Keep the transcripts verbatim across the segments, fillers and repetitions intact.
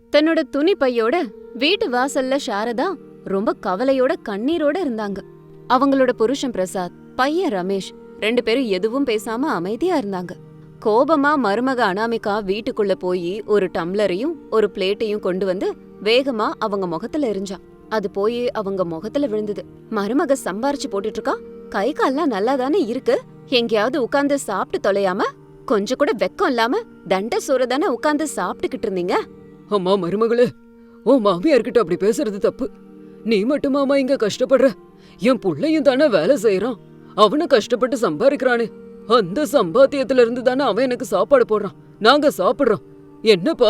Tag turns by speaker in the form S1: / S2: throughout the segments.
S1: தன்னோட துணி பையோட வீட்டு வாசல்ல சாரதா ரொம்ப கவலையோட கண்ணீரோட இருந்தாங்க. அவங்களோட புருஷன் பிரசாத், பையன் ரமேஷ் ரெண்டு பேரும் எதுவும் பேசாம அமைதியா இருந்தாங்க. கோபமா மருமக அனாமிகா வீட்டுக்குள்ள போய் ஒரு டம்ளரையும் ஒரு பிளேட்டையும் கொண்டு வந்து வேகமா அவங்க முகத்துல எரிஞ்சான். அது போய் அவங்க முகத்துல விழுந்தது. மருமக சம்பாரிச்சு போட்டுட்டு இருக்கா, கை கால்லாம் நல்லா தானே இருக்கு, எங்கேயாவது உட்கார்ந்து சாப்பிட்டு தொலையாம கொஞ்சம் கூட வெக்கம் இல்லாம தண்ட சோறு தானே உட்கார்ந்து சாப்பிட்டுக்கிட்டு இருந்தீங்க.
S2: அம்மா மருமகளே, ஓ மாமியார்கிட்ட அப்படி பேசுறது தப்பு. நீ மட்டுமாமா இங்க கஷ்டப்படுற? என் புள்ளையும் தானே வேலை செய்யறான், அவனை கஷ்டப்பட்டு சம்பாதிக்கிறானே, அந்த சம்பாத்தியத்துல இருந்து தானே அவன் எனக்கு சாப்பாடு போடுறான், நாங்க சாப்பிடுறோம். என்னப்பா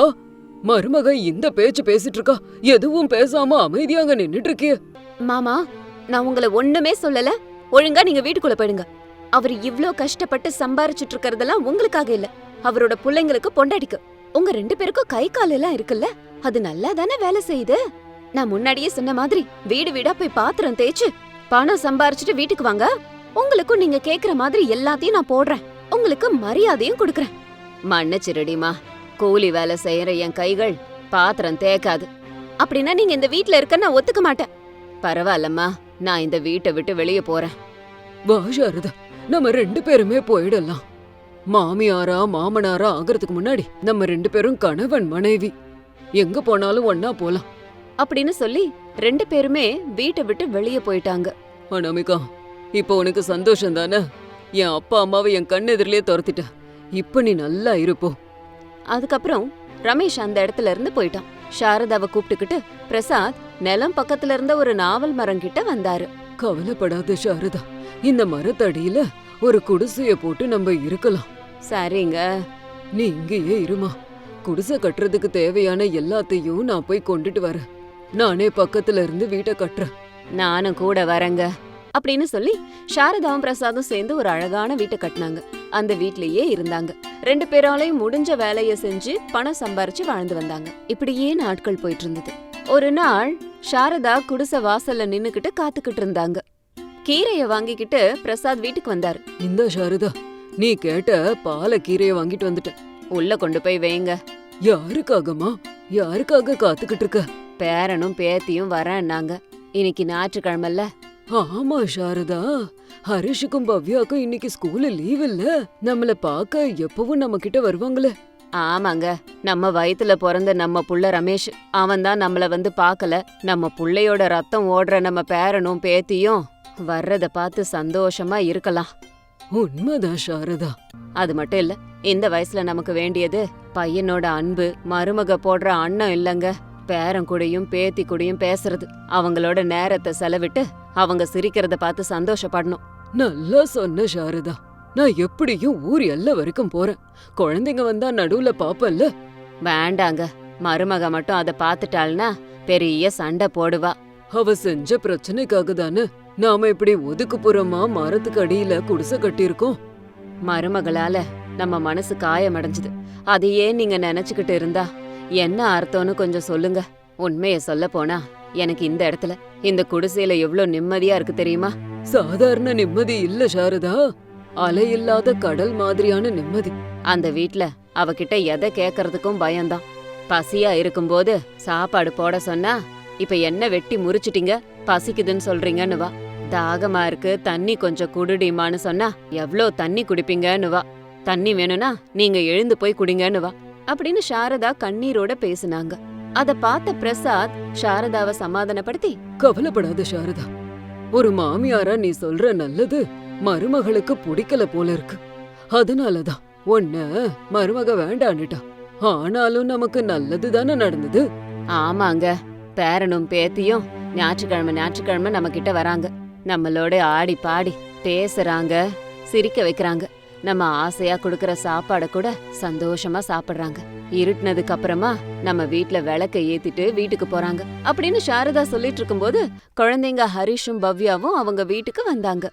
S2: மருமக இந்த பேச்சு பேசிட்டு இருக்கா, எதுவும் பேசாம அமைதியாங்க நின்னுட்டு இருக்கிய?
S1: மாமா, நான் உங்களை ஒண்ணுமே சொல்லல, ஒழுங்கா நீங்க வீட்டுக்குள்ள போயிடுங்க. அவர் இவ்ளோ கஷ்டப்பட்டு சம்பாரிச்சுட்டு இருக்கறதெல்லாம் உங்களுக்காக இல்ல, அவரோட பிள்ளைங்களுக்கு பொண்டாடிக்கு. உங்க ரெண்டு பேருக்கும் கை கால் எல்லாம் இருக்குல்ல, அது நல்லா தானே வேலை செய்யுது. நான் முன்னாடியே சொன்ன மாதிரி வீடு வீடா போய் பாத்திரம் தேய்ச்சு பணம் சம்பாரிச்சுட்டு வீட்டுக்கு வாங்க. உங்களுக்கும் நீங்க கேக்குற மாதிரி எல்லாத்தையும் நான் போடுறேன், உங்களுக்கு மரியாதையும் கொடுக்கறேன். மன்னிச்சிருடிமா, கூலி வேலை செய்யற என் கைகள் பாத்திரம் தேய்க்காது. அப்படின்னா நீங்க இந்த வீட்ல இருக்க நான் ஒத்துக்க மாட்டேன். பரவாயில்லம்மா, நான் இந்த வீட்டை விட்டு வெளியே போறேன்.
S2: வா சாரதா, நம்ம ரெண்டு பேருமே போயிடலாம். மாமியாரா மாமனாரா ஆகிறதுக்கு முன்னாடி நம்ம ரெண்டு பேரும் கணவன் மனைவி, எங்க போனாலும் ஒன்னா போலாம்
S1: அப்படின்னு சொல்லி ரெண்டு பேருமே வீட்டை விட்டு வெளியே போயிட்டாங்க.
S2: அனாமிகா, இப்போ உனக்கு சந்தோஷம் தானே? என் அப்பா அம்மாவை என் கண்ணெதிரிலே துரத்திட்ட, இப்ப நீ நல்லா இருப்போ.
S1: அதுக்கப்புறம் ரமேஷ் அந்த இடத்துல இருந்து போயிட்டான். சாரதாவை கூப்பிட்டுக்கிட்டு பிரசாத் நிலம் பக்கத்துல இருந்த ஒரு நாவல் மரம் கிட்ட வந்தாரு.
S2: கவலைப்படாத சாரதா, இந்த மரத்தடியில ஒரு குடிசைய போட்டு நம்ம இருக்கலாம்.
S1: சரிங்க,
S2: நீ இங்கேயே இருமா, குடிசை கட்டுறதுக்கு தேவையான எல்லாத்தையும் நான் போய் கொண்டுட்டு வரேன். நானே பக்கத்துல இருந்து வீட்டை கட்டுறேன்.
S1: நானும் கூட வரேங்க அப்படின்னு சொல்லி சாரதாவும் பிரசாதும் சேர்ந்து ஒரு அழகான வீட்டை கட்டினாங்க. அந்த வீட்லயே இருந்தாங்க. ரெண்டு பேராலையும் முடிஞ்ச வேலைய செஞ்சு பணம் சம்பாரிச்சு வாழ்ந்து வந்தாங்க. இப்படியே நாட்கள் போயிட்டு இருந்தது. ஒரு நாள் சாரதா குடிசை வாசல்ல நின்னுக்கிட்டு காத்துக்கிட்டு இருந்தாங்க. கீரைய வாங்கிக்கிட்டு பிரசாத் வீட்டுக்கு வந்தாரு.
S2: இந்த சாரதா, நீ கேட்ட பாலை கீரைய வாங்கிட்டு வந்துட்ட,
S1: உள்ள கொண்டு போய் வைங்க.
S2: யாருக்காகமா? யாருக்காக காத்துக்கிட்டு இருக்க?
S1: பேரனும் பேத்தியும் வரேன்னாங்க. இன்னைக்கு ஞாயிற்றுக்கிழமல்ல.
S2: ஆமா சாரதா, ஹரிஷுக்கும் பவ்யாக்கும் இன்னைக்கு ஸ்கூல்ல லீவ் இல்ல, நம்மள பாக்க எப்பவும் நம்ம கிட்ட வருவாங்களே.
S1: ஆமாங்க, நம்ம வயித்துல பிறந்த நம்ம புள்ள ரமேஷ், அவன் தான் நம்மள வந்து பாக்கல. நம்ம புள்ளையோட ரத்தம் ஓடுற நம்ம பேரனும் பேத்தியும் வர்றத பார்த்து சந்தோஷமா இருக்கலாம்.
S2: உண்மைதான் சாரதா.
S1: அது மட்டும் இல்ல, இந்த வயசுல நமக்கு வேண்டியது பையனோட அன்பு, மருமக போடுற அண்ணம் இல்லங்க, பேரன் கூடயும் பேத்தி கூடயும் பேசுறது, அவங்களோட நேரத்தை செலவிட்டு அவங்க சிரிக்கிறத பார்த்து சந்தோஷப்படணும்.
S2: நல்லா சொன்ன சாரதா, நான் எப்படியும் ஊர் எல்லை வரைக்கும் போறேன். குழந்தைங்க வந்தா நடுவுல பாப்பல்ல.
S1: வேண்டாங்க, மருமக மட்டும் அதை பாத்துட்டாள்னா பெரிய சண்டை போடுவா.
S2: அவ செஞ்ச பிரச்சனைக்காக தானே நாம இப்படி ஒதுக்குப்புறமா மரத்துக்கு அடியில குடிசை கட்டியிருக்கோம்.
S1: மருமகளால நம்ம மனசு காயமடைஞ்சது, அதையே நீங்க நினைச்சுக்கிட்டு இருந்தா என்ன அர்த்தம்னு கொஞ்சம் சொல்லுங்க. உண்மைய சொல்ல போனா எனக்கு இந்த இடத்துல இந்த குடிசையில எவ்வளவு நிம்மதியா இருக்கு தெரியுமா?
S2: சாதாரண நிம்மதி இல்ல சாரதா, அலையில்லாத கடல் மாதிரியான நிம்மதி.
S1: அந்த வீட்ல அவகிட்ட எதை கேக்கறதுக்கும் பயம்தான். பசியா இருக்கும்போது சாப்பாடு போட சொன்னா, இப்ப என்ன வெட்டி முறிச்சிட்டீங்க, பசிக்குதுன்னு சொல்றீங்கன்னு வா. தாகமா இருக்கு, தண்ணி கொஞ்சம் குடுடிமான்னு சொன்னா எவ்ளோ தண்ணி குடிப்பீங்கன்னு வா. தண்ணி வேணும்னா நீங்க எழுந்து போய் குடிங்கன்னு வா அப்படின்னு சாரதா கண்ணீரோட பேசுனாங்க. அத பார்த்த பிரசாத் சாரதாவை சமாதானப்படுத்தி,
S2: கவலைப்படாத சாரதா, ஒரு மாமியாரா நீ சொல்ற நல்லது மருமகளுக்கு பிடிக்கல போல இருக்கு, அதனாலதான் ஒன்ன மருமக வேண்டான்னுட்டா. ஆனாலும் நமக்கு நல்லது தானே நடந்தது.
S1: ஆமாங்க, பேரனும் பேத்தியும் ஞாயிற்றுக்கிழமை ஞாயிற்றுக்கிழமை நம்ம கிட்ட வராங்க, நம்மளோட ஆடி பாடி பேசுறாங்க, சிரிக்க வைக்கிறாங்க, நம்ம ஆசையா குடுக்கற சாப்பாட கூட சந்தோஷமா சாப்பிடுறாங்க. இருட்டுனதுக்கு அப்புறமா நம்ம வீட்ல விளக்க ஏத்திட்டு வீட்டுக்கு போறாங்க அப்படின்னு சாரதா சொல்லிட்டு இருக்கும்போது குழந்தைங்க ஹரிஷும் பவ்யாவும் அவங்க வீட்டுக்கு வந்தாங்க.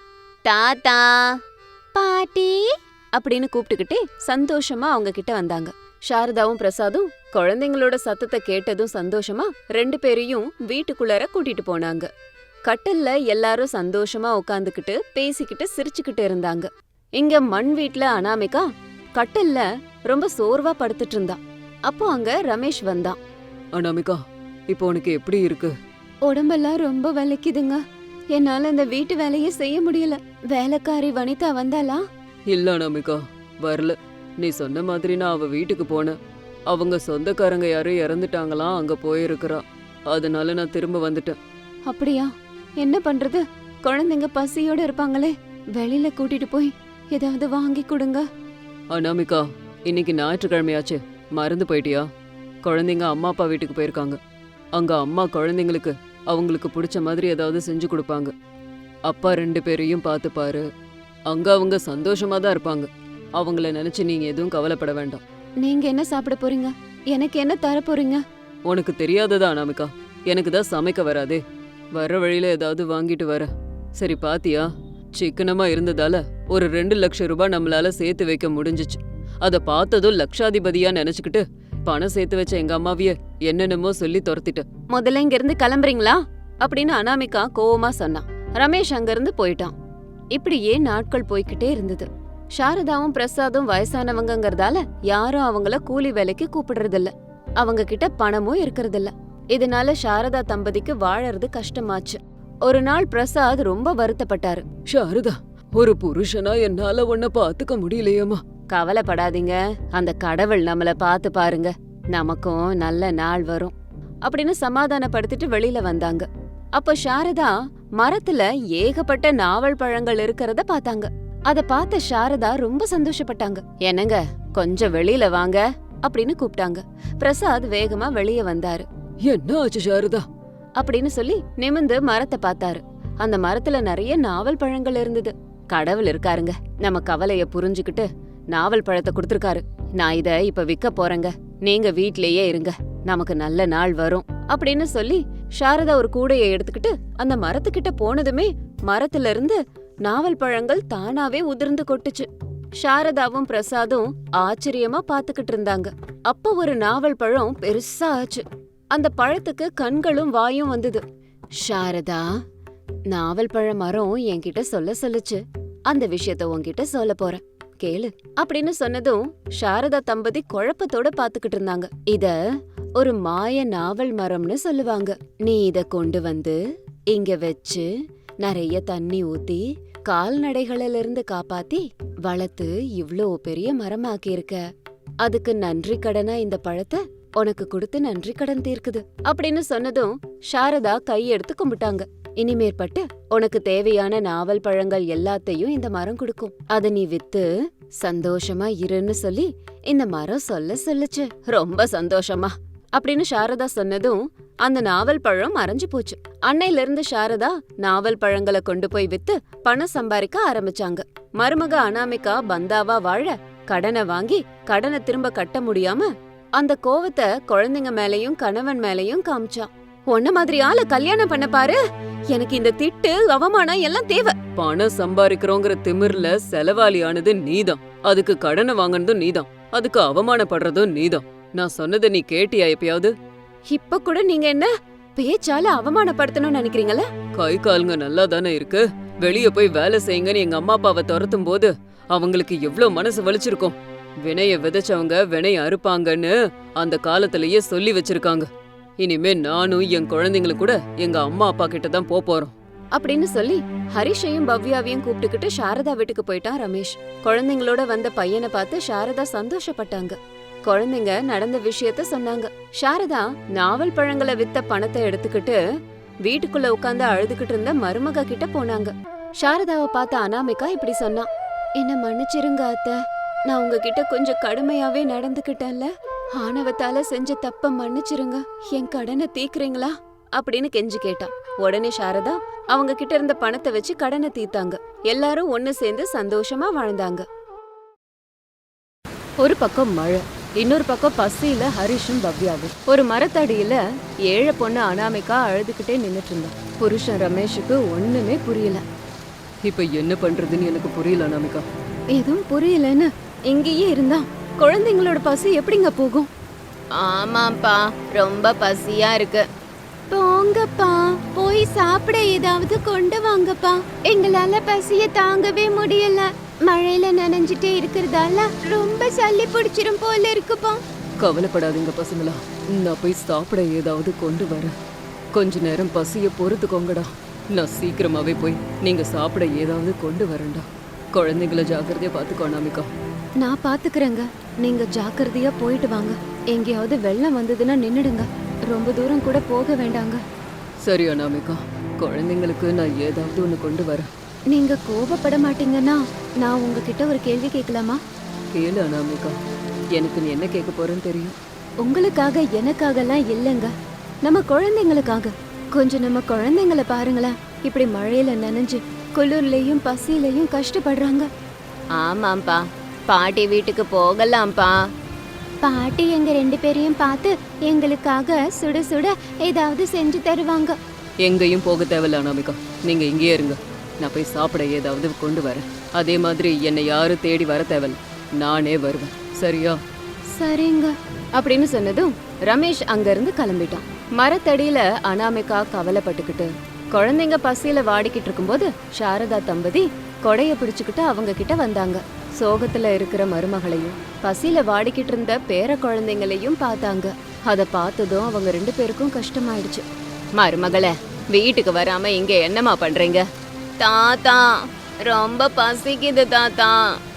S1: தாத்தா பாட்டி அப்படின்னு கூப்பிட்டுக்கிட்டே சந்தோஷமா அவங்க கிட்ட வந்தாங்க. சாரதாவும் பிரசாதும் குழந்தைங்களோட சத்தத்தை கேட்டதும் சந்தோஷமா ரெண்டு பேரையும் வீட்டுக்குள்ளார கூட்டிட்டு போனாங்க. கட்டல்ல எல்லாரும் சந்தோஷமா உட்காந்துக்கிட்டு பேசிக்கிட்டு சிரிச்சுக்கிட்டு இருந்தாங்க. இங்க மண் வீட்ல அனாமிகா கட்டல்ல ரொம்ப சோர்வா படுத்துட்டு இருந்தா. அப்போ அங்க ரமேஷ் வந்தான்.
S2: அனாமிகா, இப்போ உனக்கு எப்படி இருக்கு?
S1: உடம்பெல்லாம் ரொம்ப வலிக்குதுங்க. என்னால இந்த வீட்டு வேலையே செய்ய முடியல. வேலைக்காரி வனிதா வந்தாளா?
S2: இல்ல அனாமிகா, வரல. நீ சொன்ன மாதிரி நான் அவ வீட்டுக்கு போனேன். அவங்க சொந்தக்காரங்க யாரும் இறந்துட்டாங்களாம், அங்க போயிருக்கிறா. அதனால நான் திரும்ப வந்துட்டேன்.
S1: அப்படியா? என்ன பண்றது? குழந்தைங்க பசியோட இருப்பாங்களே. வெளியில கூட்டிட்டு போய் ஏதாவது வாங்கி கொடுங்க.
S2: அனாமிகா, இன்னைக்கு ஞாயிற்றுக்கிழமையாச்சு, மறந்து போயிட்டியா? குழந்தைங்க அம்மா அப்பா வீட்டுக்கு போயிருக்காங்க. அங்க அம்மா குழந்தைங்களுக்கு அவங்களுக்கு பிடிச்ச மாதிரி ஏதாவது செஞ்சு கொடுப்பாங்க. அப்பா ரெண்டு பேரையும் பார்த்து பாரு. அங்க அவங்க சந்தோஷமா தான் இருப்பாங்க. அவங்கள நினைச்சு நீங்க எதுவும் கவலைப்பட வேண்டாம்.
S1: நீங்க என்ன சாப்பிட போறீங்க? எனக்கு என்ன தர போறீங்க?
S2: உனக்கு தெரியாததா அனாமிகா? எனக்கு தான் சமைக்க வராதே. வர வழியில ஏதாவது வாங்கிட்டு வர. சரி, பாத்தியா, சிக்கனமா இருந்ததால ஒரு ரெண்டு லட்சம் ரூபாய் நம்மளால சேர்த்து வைக்க முடிஞ்சிச்சு. அத பார்த்ததும் லட்சாதிபதியா நினைச்சுக்கிட்டு பணம் சேர்த்து வச்ச எங்க அம்மாவிய என்னென்னமோ சொல்லி துரத்திட்ட.
S1: முதல்ல இங்க இருந்து கிளம்புறீங்களா அப்படின்னு அனாமிகா கோவமா சொன்னான். ரமேஷ் அங்க இருந்து போயிட்டான். இப்படியே நாட்கள் போய்கிட்டே இருந்தது. சாரதாவும் பிரசாதும் வயசானவங்கங்கறதால யாரும் அவங்கள கூலி வேலைக்கு கூப்பிடுறதில்ல. அவங்க கிட்ட பணமும் இருக்கறதில்ல. இதனால சாரதா தம்பதிக்கு வாழறது கஷ்டமாச்சு. ஒரு நாள் பிரசாத் ரொம்ப வருத்தப்பட்டாரு.
S2: சாரதா, ஒரு புருஷனா என்னால உன்னை பாத்துக்க முடியலையேம்மா.
S1: கவலைப்படாதீங்க, அந்த கடவுள் நம்மள பாத்து பாருங்க, நமக்கும் நல்ல நாள் வரும் அப்படின்னு சமாதானப்படுத்திட்டு வெளியில வந்தாங்க. அப்ப சாரதா மரத்துல ஏகப்பட்ட நாவல் பழங்கள் இருக்கிறத பாத்தாங்க. அத பார்த்த சாரதா ரொம்ப சந்தோஷப்பட்டாங்க. என்னங்க, கொஞ்சம் வெளியில வாங்க அப்படின்னு கூப்பிட்டாங்க. பிரசாத் வேகமா வெளியே வந்தாரு.
S2: என்ன ஆச்சு சாரதா
S1: அப்படின்னு சொல்லி நிமிந்து மரத்தை பார்த்தாரு. அந்த மரத்துல நிறைய நாவல் பழங்கள் இருந்தது. கடவுள் இருக்காருங்க, நம்ம கவலைய புரிஞ்சுக்கிட்டு நாவல் பழத்தை கொடுத்திருக்காரு. நான் இத இப்ப விற்க போறேங்க, நீங்க வீட்லயே இருங்க, நமக்கு நல்ல நாள் வரும் அப்படின்னு சொல்லி சாரதா ஒரு கூடையை எடுத்துக்கிட்டு அந்த மரத்துக்கிட்ட போனதுமே மரத்துல இருந்து நாவல் பழங்கள் தானாவே உதிர்ந்து கொட்டுச்சு. சாரதாவும் பிரசாதும் ஆச்சரியமா பாத்துக்கிட்டு இருந்தாங்க. அப்ப ஒரு நாவல் பழம் பெருசா ஆச்சு. அந்த பழத்துக்கு கண்களும் வாயும் வந்தது. சாரதா, நாவல் பழ மரம் என்கிட்ட சொல்ல சொல்லுச்சு. அந்த விஷயத்த உன்கிட்ட சொல்ல போறேன், கேளு அப்படின்னு சொன்னதும் சாரதா தம்பதி குழப்பத்தோட பாத்துக்கிட்டு இருந்தாங்க. இத ஒரு மாய நாவல் மரம்னு சொல்லுவாங்க. நீ இத கொண்டு வந்து இங்க வச்சு நிறைய தண்ணி ஊத்தி கால்நடைகளில இருந்து காப்பாத்தி வளர்த்து இவ்ளோ பெரிய மரமாக்கி இருக்க. அதுக்கு நன்றி கடனா இந்த பழத்தை உனக்கு கொடுத்து நன்றி கடன் தீர்க்குது அப்படின்னு சொன்னதும் சாரதா கையெடுத்து கும்பிட்டாங்க. இனிமேற்பட்டு உனக்கு தேவையான நாவல் பழங்கள் எல்லாத்தையும் இந்த மரம் கொடுக்கும். அத நீ வித்து சந்தோஷமா இருன்னு சொல்லி இந்த மரம் சொல்ல சொல்லுச்சு. ரொம்ப சந்தோஷமா அப்படின்னு சாரதா சொன்னதும் அந்த நாவல் பழம் மறைஞ்சு போச்சு. அன்னையில இருந்து சாரதா நாவல் பழங்களை கொண்டு போய் வித்து பணம் சம்பாதிக்க ஆரம்பிச்சாங்க. மருமக அனாமிகா பந்தாவா வாழ கடனை வாங்கி கடனை திரும்ப கட்ட முடியாம அந்த கோவத்தை குழந்தைங்க மேலயும் கணவன் மேலயும் காமிச்சா. ஒன்ன மாதிரி ஆள கல்யாணம் பண்ண பாரு, எனக்கு இந்த திட்டு அவமானம் எல்லாம் தேவை.
S2: பணம் சம்பாதிக்கிறோங்கிற திமிர்ல செலவாளியானது நீதான், அதுக்கு கடனை வாங்கினதும் நீதான், அதுக்கு அவமானப்படுறதும் நீதான். நான் சொன்னதை நீ கேட்டியா எப்பயாவது?
S1: இப்ப கூட நீங்க என்ன பேச்சால அவமானப்படுத்தணும்னு நினைக்கிறீங்களா?
S2: கை காலுங்க நல்லா தானே இருக்கு. வெளிய போய் வேலை செய்யுங்கன்னு எங்க அம்மா அப்பாவை துரத்தும் போது அவங்களுக்கு எவ்வளவு மனசு வலிச்சிருக்கும். வினைய விதைச்சவங்க வினைய அறுப்பாங்கன்னு அந்த காலத்திலேயே சொல்லி வச்சிருக்காங்க. இனிமே நானும் என் குழந்தைங்களும் கூட எங்க அம்மா அப்பா கிட்ட தான் போறோம்
S1: அப்படின்னு சொல்லி ஹரிஷையும் பவ்யாவையும் கூப்பிட்டுக்கிட்டு சாரதா வீட்டுக்கு போயிட்டான் ரமேஷ். குழந்தைங்களோட வந்த பையனை பார்த்து சாரதா சந்தோஷப்பட்டாங்க. குழந்தைங்க நடந்த விஷயத்த சொன்னாங்க. சாரதா நாவல் பழங்களை வித்த பணத்தை எடுத்துக்கிட்டு வீட்டுக்குள்ள உட்கார்ந்து அழுதுகிட்டு இருந்த மருமக கிட்ட போனாங்க. சாரதாவை பார்த்த அனாமிகா இப்படி சொன்னா, என்ன மன்னிச்சிருங்க அத்தை, நான் உங்ககிட்ட கொஞ்சம் கடுமையாவே நடந்துகிட்டேன்ல, ஆணவத்தால செஞ்ச தப்ப மன்னிச்சிருங்க, என் கடனை தீக்குறீங்களா அப்படின்னு கெஞ்சி கேட்டா. உடனே சாரதா அவங்க கிட்ட இருந்த பணத்தை வச்சு கடனை தீத்தாங்க. எல்லாரும் ஒன்னு சேர்ந்து சந்தோஷமா வாழ்ந்தாங்க. ஒரு பக்கம் மழை, இன்னொரு பக்கம் பசியில ஹரிஷும் பவ்யாவும். ஒரு மரத்தடியில ஏழை பொண்ணு அனாமிகா அழுதுகிட்டே நின்னுட்டு இருந்தா. புருஷன் ரமேஷுக்கு ஒண்ணுமே புரியல.
S2: இப்ப என்ன பண்றதுன்னு எனக்கு புரியல அனாமிகா.
S1: எதுவும் புரியலன்னு இங்கேயே இருந்தா குழந்தைங்களோட பசி எப்படிங்க போகும்? ஆமாப்பா, ரொம்ப பசியா இருக்கு. போங்கப்பா, போய் சாப்பிட ஏதாவது கொண்டு வாங்கப்பா, எங்களால பசிய தாங்கவே முடியல. மழையில நனைஞ்சிட்டே இருக்கிறதால ரொம்ப சளி பிடிச்சிரும் போல இருக்குப்பா.
S2: கவலைப்படாதீங்க பசங்களா, நான் போய் சாப்பிட ஏதாவது கொண்டு வரேன். கொஞ்ச நேரம் பசிய பொறுத்துக்கோங்கடா. நான் சீக்கிரமாவே போய் நீங்க சாப்பிட ஏதாவது கொண்டு வரேன்டா. குழந்தைங்கள ஜாக்கிரதையா பாத்துக்கோ அனாமிகா.
S1: நான் பாத்துக்கிறேங்க. நீங்க ஜாக்கிரதையா போயிட்டு வாங்க. எங்கேயாவது வெள்ளம் வந்ததுன்னா நின்னுடுங்க. ரொம்ப தூரம் கூட போக வேண்டாங்க.
S2: சரி அனாமிகா, குழந்தைங்களுக்கு நான் ஏதாவது ஒன்று கொண்டு வரேன்.
S1: நீங்க கோபப்பட மாட்டீங்கன்னா நான் உங்ககிட்ட ஒரு கேள்வி கேட்கலாமா?
S2: கேளு அனாமிகா, எனக்கு நீ என்ன கேட்க போறேன்னு தெரியும்.
S1: உங்களுக்காக எனக்காகலாம் இல்லைங்க, நம்ம குழந்தைங்களுக்காக. கொஞ்சம் நம்ம குழந்தைங்கள பாருங்களேன், இப்படி மழையில நனைஞ்சு குளிர்லயும் பசியிலையும் கஷ்டப்படுறாங்க. ஆமாம்பா, பாட்டி வீட்டுக்கு போகலாம்ப்பா. பாட்டி எங்க ரெண்டு பேரையும் பார்த்து எங்களுக்காக சுட சுட ஏதாவது செஞ்சு தருவாங்க.
S2: எங்கேயும் போக தேவையில்ல அனாமிகா, நீங்க இங்கேயே இருங்க. நான் போய் சாப்பிட ஏதாவது கொண்டு வரேன். அதே மாதிரி என்னை யாரும் தேடி வர தேவையில்ல, நானே வருவேன். சரியா?
S1: சரிங்க அப்படின்னு சொன்னதும் ரமேஷ் அங்கிருந்து கிளம்பிட்டான். மரத்தடியில அனாமிகா கவலைப்பட்டுக்கிட்டு குழந்தைங்க பசியில வாடிக்கிட்டு இருக்கும்போது சாரதா தம்பதி கொடைய பிடிச்சுக்கிட்டு அவங்க கிட்ட வந்தாங்க. சோகத்துல இருக்கிற மருமகளையும் பசியில வாடிக்கிட்டு இருந்த பேர குழந்தைங்களையும் பார்த்தாங்க. அத பார்த்ததும் அவங்க ரெண்டு பேருக்கும் கஷ்டமாயிடுச்சு. மருமகளே, வீட்டுக்கு வராம இங்க என்னமா பண்றீங்க? தாத்தா, ரொம்ப பசிக்குது தாத்தா.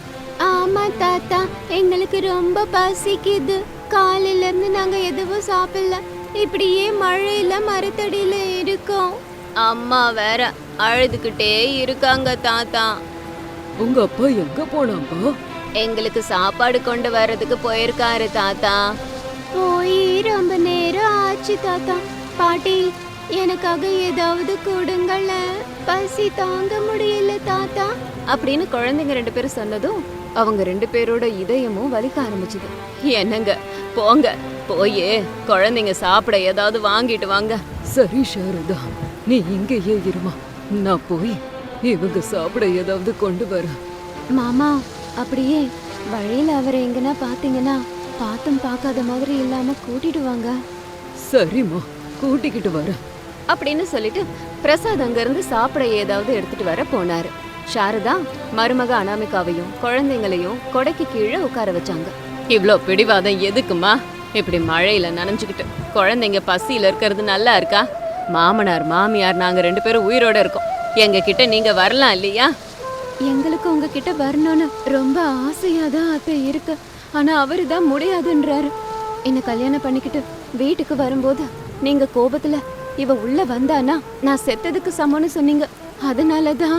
S1: ஆமா தாத்தா, எங்களுக்கு ரொம்ப பசிக்குது. காலையில இருந்து நாங்க எதுவும் சாப்பிடல, இப்படியே மழையில மரத்தடியில இருக்கோம். அம்மா வேற அழுதுகிட்டே இருக்காங்க தாத்தா.
S2: உங்க அப்பா எங்க போனாப்பா?
S1: எங்களுக்கு சாப்பாடு கொண்டு வர்றதுக்கு போயிருக்காரு தாத்தா. போய் ரொம்ப நேரம் ஆச்சு தாத்தா. பாட்டி, எனக்காக ஏதாவது கொடுங்கள, பசி தாங்க முடியல தாத்தா அப்படின்னு குழந்தைங்க ரெண்டு பேரும் சொன்னதும் அவங்க ரெண்டு பேரோட இதயமும் வலிக்க ஆரம்பிச்சுது. என்னங்க, போங்க, போயே குழந்தைங்க சாப்பிட ஏதாவது வாங்கிட்டு வாங்க.
S2: சரி சாரதா, நீ இங்கேயே இருமா, நான் போய் இவங்க சாப்பிட ஏதாவது கொண்டு வரேன்.
S1: மாமா, அப்படியே வழியில அவரை எங்கன்னா பாத்தீங்கன்னா பாத்தும் பார்க்காத மாதிரி இல்லாம கூட்டிட்டு வாங்க.
S2: சரிம்மா, கூட்டிக்கிட்டு வரேன்
S1: அப்படின்னு சொல்லிட்டு பிரசாத் அங்க இருந்து சாப்பிட ஏதாவது எடுத்துட்டு வர போனாரு. சாரதா மருமக அனாமிகாவையும் குழந்தைங்களையும் கொடைக்கு கீழே உட்கார வச்சாங்க. இவ்ளோ பிடிவாதம் எதுக்குமா? இப்படி மழையில நனைஞ்சுக்கிட்டு குழந்தைங்க பசியில இருக்கிறது நல்லா இருக்கா? மாமனார் மாமியார் நாங்க ரெண்டு பேரும் உயிரோட இருக்கோம், எங்க கிட்ட நீங்க வரலாம் இல்லையா? எங்களுக்கு உங்ககிட்ட வரணும்னு ரொம்ப ஆசையா தான் அத்தை இருக்கு, ஆனா அவரு தான் முடியாதுன்றாரு. என்ன கல்யாணம் பண்ணிக்கிட்டு வீட்டுக்கு வரும்போது நீங்க கோபத்துல இவ உள்ள வந்தானா நான் செத்ததுக்கு சமம்னு சொன்னீங்க, அதனாலதான்.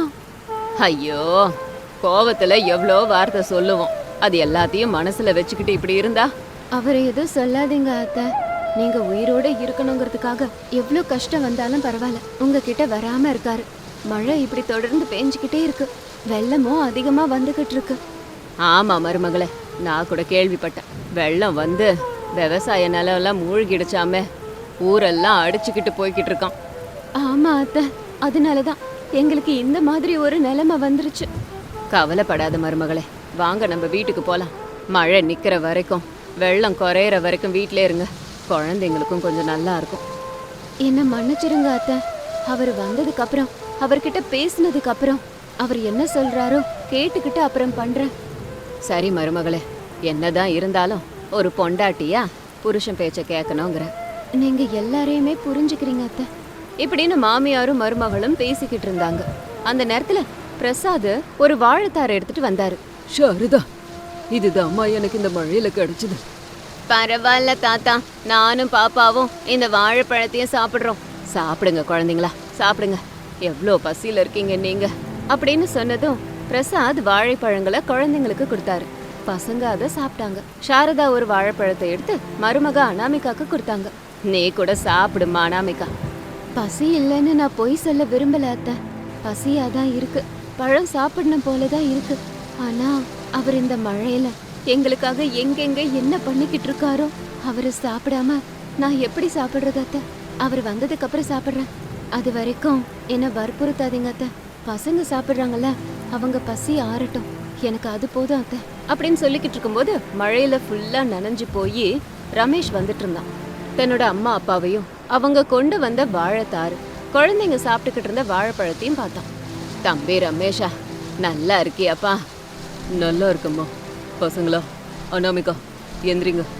S1: ஐயோ, கோபத்துல எவ்வளோ வார்த்தை சொல்லுவோம், அது எல்லாத்தையும் மனசுல வச்சுக்கிட்டு இப்படி இருந்தா? அவரை எதுவும் சொல்லாதீங்க அத்தை, நீங்க உயிரோட இருக்கணுங்கிறதுக்காக எவ்வளோ கஷ்டம் வந்தாலும் பரவாயில்ல உங்ககிட்ட வராம இருக்காரு. மழை இப்படி தொடர்ந்து பேஞ்சுக்கிட்டே இருக்கு, வெள்ளமும் அதிகமா வந்துகிட்டு இருக்கு. ஆமா மருமகளே, நான் கூட கேள்விப்பட்டேன், வெள்ளம் வந்து விவசாய நிலம் எல்லாம் மூழ்கிடுச்சாமே, ஊரெல்லாம் அடிச்சுக்கிட்டு போய்கிட்டு இருக்கான். ஆமா அத்தை, அதனாலதான் எங்களுக்கு இந்த மாதிரி ஒரு நிலைமை வந்துருச்சு. கவலைப்படாத மருமகளே, வாங்க நம்ம வீட்டுக்கு போலாம். மழை நிக்கிற வரைக்கும், வெள்ளம் குறையிற வரைக்கும் வீட்டிலே இருங்க, குழந்தைங்களுக்கும் கொஞ்சம் நல்லா இருக்கும். என்ன மன்னிச்சிருங்க அத்தை, அவர் வந்ததுக்கு அப்புறம் அவர்கிட்ட பேசினதுக்கு அப்புறம் அவர் என்ன சொல்றாரோ கேட்டுக்கிட்டு அப்புறம் பண்றேன். சரி மருமகளே, என்னதான் இருந்தாலும் ஒரு பொண்டாட்டியா புருஷன் பேச்ச கேட்கணுங்கிற நீங்க எல்லாரையுமே புரிஞ்சுக்கிறீங்க அத்தை இப்படின்னு மாமியாரும் மருமகளும் பேசிக்கிட்டு இருந்தாங்க. அந்த நேரத்துல பிரசாத் ஒரு வாழைத்தாரை எடுத்துட்டு வந்தாரு.
S2: சாரதா, இதுதான் அம்மா எனக்கு இந்த மழையில கிடைச்சது.
S1: பரவாயில்ல தாத்தா, நானும் பாப்பாவும் இந்த வாழைப்பழத்தையும் சாப்பிடுறோம். சாப்பிடுங்க குழந்தைங்களா, சாப்பிடுங்க, எவ்வளோ பசியில இருக்கீங்க நீங்க அப்படின்னு சொன்னதும் பிரசாத் வாழைப்பழங்களை குழந்தைங்களுக்கு கொடுத்தாரு. பசங்க அதை சாப்பிட்டாங்க. சாரதா ஒரு வாழைப்பழத்தை எடுத்து மருமக அனாமிகாக்கு கொடுத்தாங்க. நீ கூட சாப்பிடுமா அனாமிகா. பசி இல்லைன்னு நான் பொய் சொல்ல விரும்பல அத்தை, பசியாதான் இருக்கு, பழம் சாப்பிடணும் போலதான் இருக்கு. ஆனா அவர் இந்த மழையில எங்களுக்காக எங்கெங்க என்ன பண்ணிக்கிட்டு இருக்காரோ, அவரை சாப்பிடாம நான் எப்படி சாப்பிடுறது அத்தை? அவர் வந்ததுக்கு அப்புறம் சாப்பிடுறேன், அது வரைக்கும் என்ன வற்புறுத்தாதீங்க அத்தை. பசங்க சாப்பிடுறாங்கல்ல, அவங்க பசி ஆறட்டும், எனக்கு அது போதும் அத்தை அப்படின்னு சொல்லிக்கிட்டு இருக்கும்போது மழையில ஃபுல்லா நனைஞ்சு போய் ரமேஷ் வந்துட்டு இருந்தான். தன்னோட அம்மா அப்பாவையும் அவங்க கொண்டு வந்த வாழைத்தாறு குழந்தைங்க சாப்பிட்டுக்கிட்டு இருந்த வாழைப்பழத்தையும் பார்த்தான். தம்பி ரமேஷா, நல்லா இருக்கியாப்பா?
S2: நல்லா இருக்கம்மா. பசங்களா, அனாமிகா எந்திரிங்க,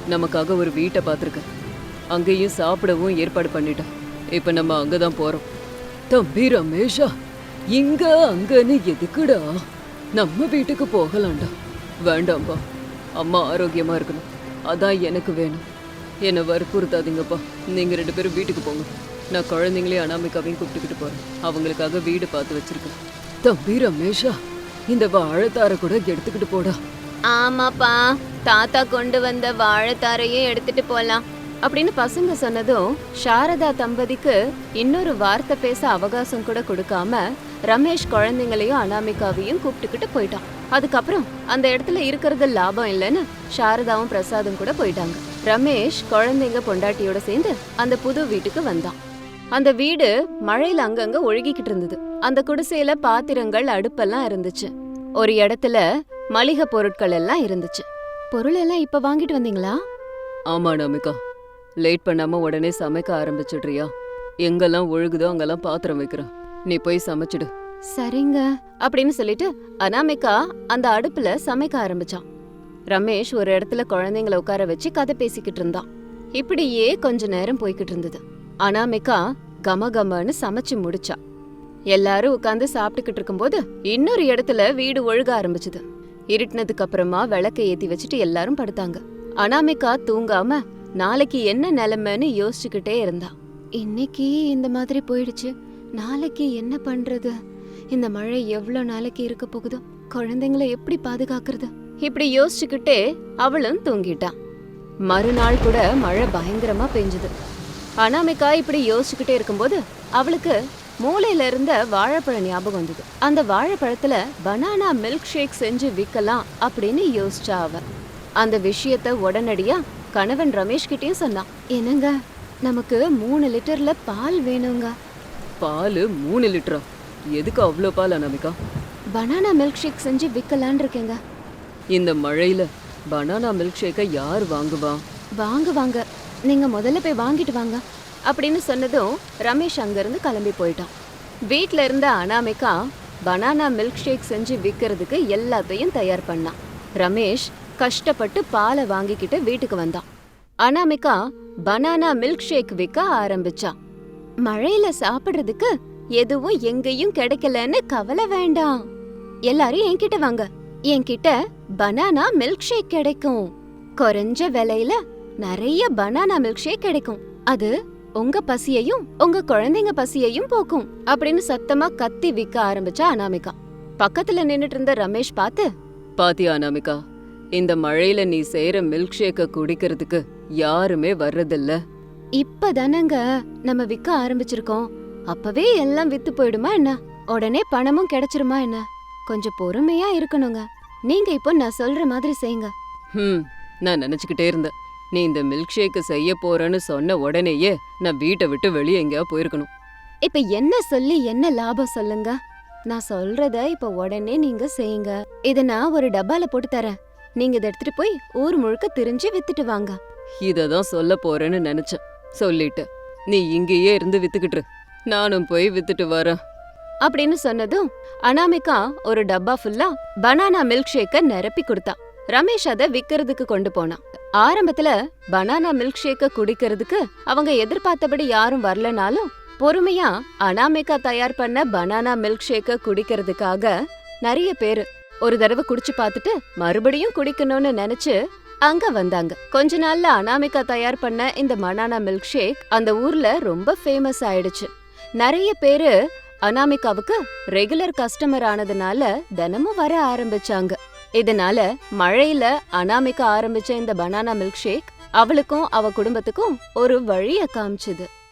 S2: நமக்காக ஒரு வீட்டை பார்த்துருக்கேன். அங்கேயும் சாப்பிடவும் ஏற்பாடு பண்ணிட்டேன். இப்ப நம்ம அங்கதான் போறோம். தம்பி ரமேஷா, இங்க அங்கன்னு எதுக்குடா? நம்ம வீட்டுக்கு போகலாம்டா. வேண்டாம்பா, அம்மா ஆரோக்கியமா இருக்கணும், அதான் எனக்கு வேணும். என்னை வற்புறுத்தாதீங்கப்பா. நீங்க ரெண்டு பேரும் வீட்டுக்கு போங்க. நான் குழந்தைங்களையும் அனாமிகாவையும் கூப்பிட்டுக்கிட்டு போறேன். அவங்களுக்காக வீடு பார்த்து வச்சிருக்கேன். தம்பி ரமேஷா, இந்த வாழைத்தார கூட எடுத்துக்கிட்டு போடா.
S1: ஆமாப்பா, தாத்தா கொண்டு வந்த வாழைத்தாரையும் எடுத்துட்டு போலாம் அப்படின்னு பசங்க சொன்னதும் சாரதா தம்பதிக்கு இன்னொரு வார்த்தை பேச அவகாசம் கூட கொடுக்காம ரமேஷ் குழந்தைங்களையும் அனாமிகாவையும் கூப்பிட்டுக்கிட்டு போயிட்டான். அதுக்கப்புறம் அந்த இடத்துல இருக்கிறது லாபம் இல்லைன்னு சாரதாவும் பிரசாதும் கூட போயிட்டாங்க. ரமேஷ் குழந்தைங்க பொண்டாட்டியோட சேர்ந்து அந்த புது வீட்டுக்கு வந்தான். அந்த வீடு மழையில அங்கங்க ஒழுகிக்கிட்டு இருந்தது. அந்த குடிசையில பாத்திரங்கள், அடுப்பெல்லாம் இருந்துச்சு. ஒரு இடத்துல மளிகை பொருட்கள் எல்லாம் இருந்துச்சு. பொருள் எல்லாம் இப்ப வாங்கிட்டு வந்தீங்களா?
S2: ஆமா அனாமிகா, லேட் பண்ணாம உடனே சமைக்க ஆரம்பிச்சிடுறியா? எங்கெல்லாம் ஒழுகுதோ அங்கெல்லாம் பாத்திரம் வைக்கிறேன், நீ போய் சமைச்சிடு.
S1: சரிங்க அப்படின்னு சொல்லிட்டு அனாமிகா அந்த அடுப்புல சமைக்க ஆரம்பிச்சான். ரமேஷ் ஒரு இடத்துல குழந்தைங்களை உட்கார வச்சு கதை பேசிக்கிட்டு இருந்தான். இப்படியே கொஞ்ச நேரம் போய்கிட்டு இருந்தது. அனாமிகா கம கமன்னு சமைச்சு முடிச்சா. எல்லாரும் உட்காந்து சாப்பிட்டுக்கிட்டு இருக்கும்போது இன்னொரு இடத்துல வீடு ஒழுக ஆரம்பிச்சுது. இருட்டினதுக்கு அப்புறமா விளக்க ஏத்தி வச்சுட்டு எல்லாரும் படுத்தாங்க. அனாமிகா தூங்காம நாளைக்கு என்ன நிலைமைன்னு யோசிச்சுக்கிட்டே இருந்தா. இன்னைக்கு இந்த மாதிரி போயிடுச்சு, நாளைக்கு என்ன பண்றது? இந்த மழை எவ்வளவு நாளைக்கு இருக்க போகுதோ? குழந்தைங்களை எப்படி பாதுகாக்கிறது? இப்படி யோசிச்சுக்கிட்டே அவளும் தூங்கிட்டான். மறுநாள் கூட மழை பயங்கரமா பெஞ்சுது. அனாமிகா இப்படி யோசிச்சுக்கிட்டே இருக்கும்போது அவளுக்கு மூளையில இருந்த வாழைப்பழம் ஞாபகம் வந்தது. அந்த வாழைப்பழத்துல பனானா மில்க் ஷேக் செஞ்சு விற்கலாம் அப்படின்னு யோசிச்சா அவ. அந்த விஷயத்த உடனடியா கணவன் ரமேஷ் கிட்டயும் சொன்னான். என்னங்க, நமக்கு மூணு லிட்டர்ல பால் வேணுங்க.
S2: பால் மூணு லிட்டரா? எதுக்கு அவ்வளோ பால் அனாமிகா?
S1: பனானா மில்க் ஷேக் செஞ்சு விற்கலான் இருக்கேங்க.
S2: இந்த மழையில பனானா மில்க் ஷேக்கை யார் வாங்குவா?
S1: வாங்க வாங்க, நீங்க முதல்ல போய் வாங்கிட்டு வாங்க அப்படின்னு சொன்னதும் ரமேஷ் அங்கிருந்து கிளம்பி போயிட்டான். வீட்ல இருந்த அனாமிகா பனானா மில்க் ஷேக் செஞ்சு விற்கிறதுக்கு எல்லாத்தையும் தயார் பண்ணான். ரமேஷ் கஷ்டப்பட்டு பாலை வாங்கிக்கிட்டு வீட்டுக்கு வந்தான். அனாமிகா பனானா மில்க் ஷேக் விற்க ஆரம்பிச்சா. மழையில சாப்பிடுறதுக்கு எதுவும் எங்கேயும் கிடைக்கலன்னு கவலை வேண்டாம். எல்லாரும் என்கிட்ட வாங்க, என்கிட்ட பனானா மில்க் ஷேக் கிடைக்கும். குறைஞ்ச விலையில நிறைய பனானா மில்க் ஷேக் கிடைக்கும். அது உங்க பசியையும் உங்க குழந்தைங்க பசியையும் போக்கும் அப்படின்னு சத்தமா கத்தி விற்க ஆரம்பிச்சா அனாமிகா. பக்கத்துல நின்னுட்டு இருந்த ரமேஷ் பார்த்து,
S2: பாத்தியா அனாமிகா, இந்த மழையில நீ செய்யற மில்க் ஷேக்க குடிக்கிறதுக்கு யாருமே வர்றதில்ல.
S1: இப்பதானங்க நம்ம விற்க ஆரம்பிச்சிருக்கோம், அப்பவே எல்லாம் வித்து போயிடுமா என்ன? உடனே பணமும் கிடைச்சிருமா என்ன? கொஞ்சம் பொறுமையா இருக்கணுங்க. நீங்க இப்போ நான் சொல்ற மாதிரி செய்யுங்க.
S2: ஹம் நான் நினைச்சுக்கிட்டே இருந்தேன், நீ இந்த மில்க் ஷேக் செய்ய போறேன்னு சொன்ன உடனேயே நான் வீட்டை விட்டு வெளியே எங்கேயா போயிருக்கணும்.
S1: இப்ப என்ன சொல்லி என்ன லாபம் சொல்லுங்க? நான் சொல்றத இப்ப உடனே நீங்க செய்யுங்க. இத நான் ஒரு டப்பால போட்டு தரேன், நீங்க இதை எடுத்துட்டு போய் ஊர் முழுக்க திரிஞ்சு வித்துட்டு வாங்க.
S2: இததான் சொல்ல போறேன்னு நினைச்சேன், சொல்லிட்ட. நீ இங்கேயே இருந்து வித்துக்கிட்டு, நானும் போய் வித்துட்டு வரேன்
S1: அப்படின்னு சொன்னதும் அனாமிகா ஒரு டப்பா ஃபுல்லா பனானா மில்க் ஷேக்க நிரப்பி கொடுத்தா. ரமேஷ் அதை விக்கிறதுக்கு கொண்டு போனான். ஆரம்பத்துல பனானா மில்க் ஷேக்க குடிக்கிறதுக்கு அவங்க எதிர்பார்த்தபடி யாரும் வரலனாலும் பொறுமையா அனாமிகா தயார் பண்ண பனானா மில்க் ஷேக்க குடிக்கிறதுக்காக நிறைய பேரு ஒரு தடவை குடிச்சு பார்த்துட்டு மறுபடியும் குடிக்கணும்னு நினைச்சு அங்க வந்தாங்க. கொஞ்ச நாள்ல அனாமிகா தயார் பண்ண இந்த பனானா மில்க் ஷேக் அந்த ஊர்ல ரொம்ப ஃபேமஸ் ஆயிடுச்சு. நிறைய பேரு அனாமிகாவுக்கு ரெகுலர் கஸ்டமர் ஆனதுனால தினமும் வர ஆரம்பிச்சாங்க. இதனால மழையில அனாமிகா ஆரம்பிச்ச இந்த பனானா மில்க் ஷேக் அவளுக்கும் அவ குடும்பத்துக்கும் ஒரு வழிய காமிச்சுது.